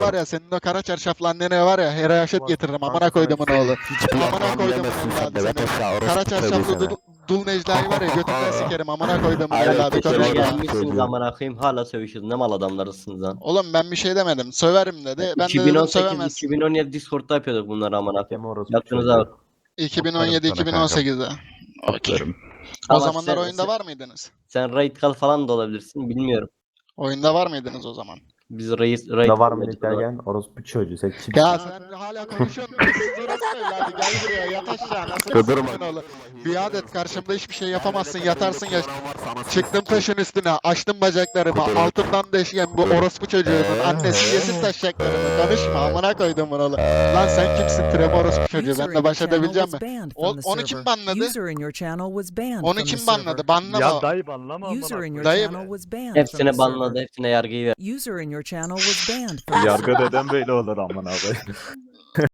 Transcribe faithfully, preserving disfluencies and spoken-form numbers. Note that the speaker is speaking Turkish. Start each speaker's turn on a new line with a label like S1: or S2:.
S1: var ya senin o kara çarşaflı annene var ya her yaşet getiririm amına koydumun oğlu. Amına koydumun evladı seni. Kara çarşaflı dul, dul Necla'yı var ya götünden sikerim amına koydumun
S2: Aynen,
S1: evladı
S2: teşekkür
S1: konuşma.
S2: ederim.
S3: Gelmişsiniz amına koyayım hala sövüşüyoruz. Ne mal adamlarısınız lan.
S1: Oğlum ben bir şey demedim. Söverim dedi. Ben de dedim
S3: iki bin on sekiz
S1: sövemezsin.
S3: iki bin on yedi Discord'da yapıyorduk bunları amına koyayım.
S2: Orospu
S3: Yaptığınıza bak.
S1: iki bin on yedi iki bin on sekizde. Okey. O
S3: Ama
S1: zamanlar
S3: sen-
S1: oyunda
S3: sen-
S1: var mıydınız?
S3: Sen raid kal falan da olabilirsin bilmiyorum.
S1: Oyunda var mıydınız o zaman?
S3: Biz raid raid
S2: Da var mı
S3: kalmadık o zaman.
S2: derken orospu çocuğu sen kim?
S1: Ya sen hala konuşuyorsun. Siz orası evladı gel buraya yat aşağı. Nasıl bir oğlum? Biat et karşımda hiçbir şey yapamazsın yatarsın ya. Çıktım taşın üstüne açtım bacaklarımı altından deşken bu orospu çocuğunun annesi yesin taşacaklarımı konuşma amına koydum bunu oğlum. Lan sen kimsin trem orospu çocuğu benimle baş edebilecek mi? O, onu kim banladı? Onu kim banladı? Banlama.
S4: Ya dayı banlama amına
S5: User in your
S1: Dayı-
S5: channel was banned from
S3: Hepsine
S5: the
S3: banladı,
S5: server.
S3: hepsine yargıyı ver.
S5: User in your channel was banned from the
S4: Yargı
S5: server.
S4: neden böyle olur amına koyayım?